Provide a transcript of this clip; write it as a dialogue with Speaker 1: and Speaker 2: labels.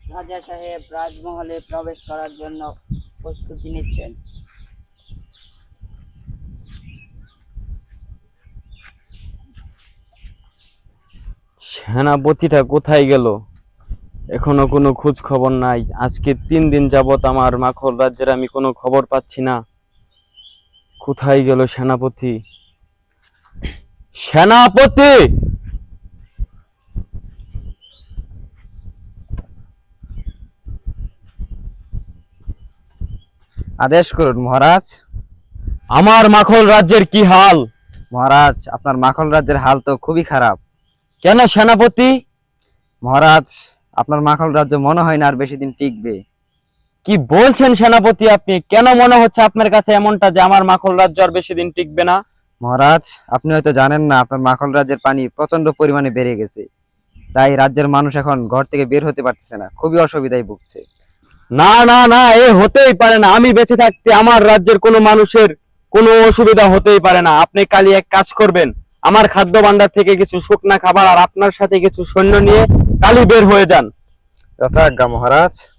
Speaker 1: রাজা সাহেব রাজমহলে প্রবেশ করার জন্য প্রস্তুতি নিচ্ছেন।
Speaker 2: সেনাপতিটা কোথায় গেল? এখনো কোনো খোঁজ খবর নাই। আজকে 3 দিন যাবত আমার মাখল রাজ্যের আমি কোনো খবর পাচ্ছি না। কোথায় গেল সেনাপতি? সেনাপতি!
Speaker 3: আদেশ করুন মহারাজ।
Speaker 2: আমার মাখল রাজ্যের কি হাল?
Speaker 3: মহারাজ, আপনার মাখন রাজ্যের হাল তো খুবই খারাপ।
Speaker 2: কেন সেনাপতি?
Speaker 3: মহারাজ, আপনার মাখন রাজ্য মনে হয় না আর বেশি দিন টিকবে।
Speaker 2: কি বলছেন সেনাপতি আপনি? কেন মনে হচ্ছে আপনার কাছে এমনটা যে আমার মাখল রাজ্য আর বেশি দিন টিকবে না?
Speaker 3: মহারাজ, আপনি হয়তো জানেন না, আপনার মাখন রাজ্যের পানি প্রচন্ড পরিমাণে বেড়ে গেছে। তাই রাজ্যের মানুষ এখন ঘর থেকে বের হতে পারতেছে না, খুবই অসুবিধায় ভুগছে।
Speaker 2: না না না, এ হতেই পারে না। আমি বেঁচে থাকতে আমার রাজ্যের কোনো মানুষের কোনো অসুবিধা হতেই পারে না। আপনি কালই এক কাজ করবেন, আমার খাদ্য ভাণ্ডার থেকে কিছু শুকনা খাবার আর আপনার সাথে কিছু সৈন্য নিয়ে কালই বের হয়ে যান।
Speaker 3: যথাজ্ঞা মহারাজ।